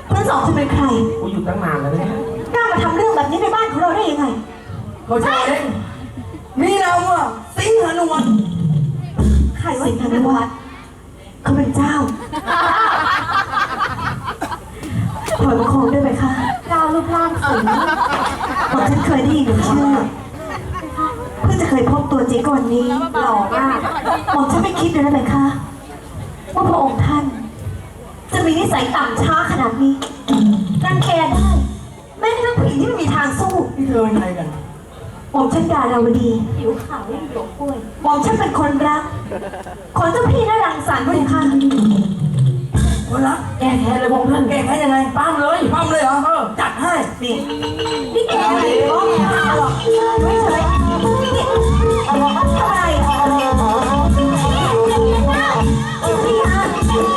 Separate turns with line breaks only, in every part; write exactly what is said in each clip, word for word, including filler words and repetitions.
เพื่อนสองจะเป็นใคร
กูอยู่ตั้งนานแล้วเนี่ย
กล้ามาทำเรื่องแบบนี้ในบ้านของเราได้ยังไง
เขาใช่เองนี่เราอะสิงหานุวัฒน์
ใครว่าสิงหานุวัฒน์เขาเป็นเจ้าถอยประคองได้ไหมคะก้าวรูปร่างสูงผมฉันเคยได้ยินหนูเชื่อเพิ่งจะเคยพบตัวจริงก่อนนี้หล่อมากผมฉันไม่คิดเลยนะเลยค่ะว่าพระองค์ท่านจะมีนิสัยต่ำช้าขนาดนี้รังแกได้แม้กระทั่งผู้หญิงที่ไม่มีทางสู้
นี่เธอเป็นใครกัน
ผมฉันดาราวดีผิวขาวยิ่งหลวงกล้วยผมฉันเป็นคนรักของเจ้าพี่น่ารังสรรค์ด้วยค่ะ
คนรักแก้แค้นเลยพงท่านแก้แค้นยังไงปั้มเลยปั้มเลยเหรอเออจัดให้
นี่นี่แกอะไรบ้องหรอกไม่เฉยนี่ทำอะไรพี่ฮะ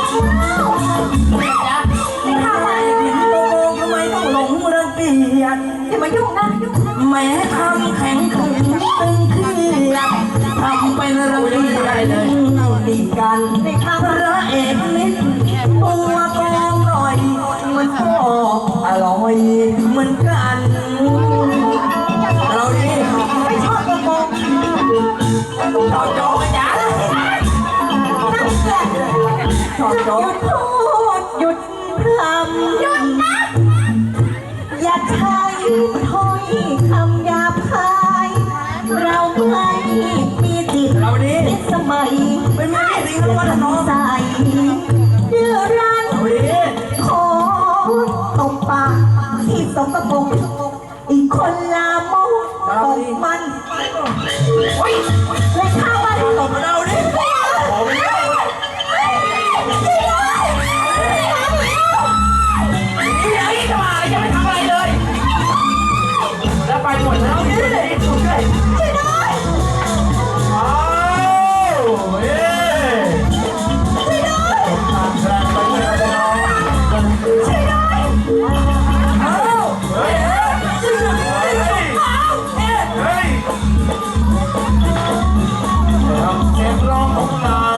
นี่ทำอะไร
โกงทำไมต้องหลงรังเกียจ
อย่ามายุ่งนะยุ่ง
แม้ทำแข็งขึงตึงเครียดทำเป็นระเบียบดีกันในข้างพระเอกนิดตัวกองหน่อยมันก็อร่อยเหมือนกันเราดี
ไม่ชอบตัวโกง
ชอบโจ๊กจ้า
นั่นแหละ
ชอบโจ๊ก
หยุดพูดหยุดพรำหยุดนะอย่าใช้ถ้อยคำหยาบคายเราไม่มีจิต
เราดี
สมัย
เป็นไม่ดีทั้งวันน้อง
ใส่เดือรันขอตบปากที่สมบูรณ์อีกคนลามกตบมันและข้า